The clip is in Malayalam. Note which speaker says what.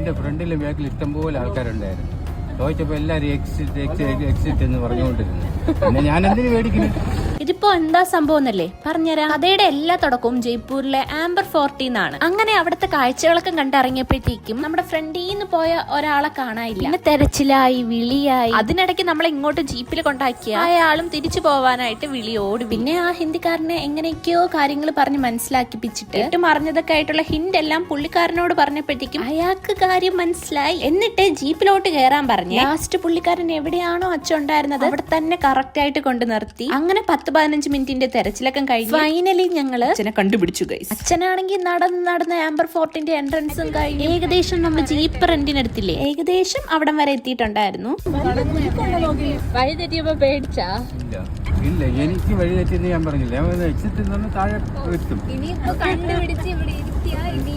Speaker 1: എന്റെ ഫ്രണ്ടിലും ബാക്കിൽ ഇഷ്ടംപോലെ ആൾക്കാരുണ്ടായിരുന്നു. ചോദിച്ചപ്പോ എല്ലാരും എക്സിറ്റ് എന്ന് പറഞ്ഞുകൊണ്ടിരുന്നു. പിന്നെ ഞാൻ എന്തിനു മേടിക്കുന്നു?
Speaker 2: ഇതിപ്പോ എന്താ സംഭവം എന്നല്ലേ പറഞ്ഞുതരാം. കഥയുടെ എല്ലാ തുടക്കവും ജയ്പൂരിലെ ആംബർ ഫോർട്ടിൽ നിന്നാണ്. അങ്ങനെ അവിടുത്തെ കാഴ്ചകളൊക്കെ കണ്ടിറങ്ങിയപ്പോഴത്തേക്കും നമ്മുടെ ഫ്രണ്ടിൽ നിന്ന് പോയ ഒരാളെ കാണാനില്ല. പിന്നെ തെരച്ചിലായി, വിളിയായി. അതിനിടയ്ക്ക് നമ്മളെ ഇങ്ങോട്ട് ജീപ്പിൽ കൊണ്ടാക്കിയ അയാളും തിരിച്ചു പോവാനായിട്ട് വിളിയോടി. പിന്നെ ആ ഹിന്ദിക്കാരനെ എങ്ങനെയൊക്കെയോ കാര്യങ്ങൾ പറഞ്ഞ് മനസ്സിലാക്കിപ്പിച്ചിട്ട് ഏറ്റവും അറിഞ്ഞതൊക്കെ ആയിട്ടുള്ള ഹിന്റ് എല്ലാം പുള്ളിക്കാരനോട് പറഞ്ഞപ്പോഴത്തേക്കും അയാൾക്ക് കാര്യം മനസ്സിലായി. എന്നിട്ട് ജീപ്പിലോട്ട് കയറാൻ പറഞ്ഞു. ലാസ്റ്റ് പുള്ളിക്കാരൻ എവിടെയാണോ അച്ഛൻ ഉണ്ടായിരുന്നത് അവിടെ തന്നെ കറക്റ്റ് ആയിട്ട് കൊണ്ട് നിർത്തി. അങ്ങനെ 10-15 മിനിറ്റിന്റെ തെരച്ചിലൊക്കെ കഴിഞ്ഞു. ഫൈനലി ഞങ്ങള് അച്ഛനെ കണ്ടുപിടിച്ചു ഗൈസ്. അച്ഛനാണെങ്കിൽ നടന്ന് ആംബർ ഫോർട്ടിന്റെ എൻട്രൻസും കഴിഞ്ഞു. ഏകദേശം നമ്മൾ ജീപ്പ് റെന്റിനെടുത്തില്ലേ, ഏകദേശം അവിടം വരെ എത്തിയിട്ടുണ്ടായിരുന്നു. വഴി തെറ്റിയപ്പോ പേടിച്ചാ?
Speaker 1: ഇല്ല, എനിക്ക് വഴി തെറ്റിയെന്ന് ഞാൻ പറഞ്ഞില്ല. എക്സിറ്റ് താഴെ എത്തും.
Speaker 3: ഇനിയിപ്പോ കണ്ടുപിടിച്ച് ഇവിടെ ഇരുത്തിയാ ഇനി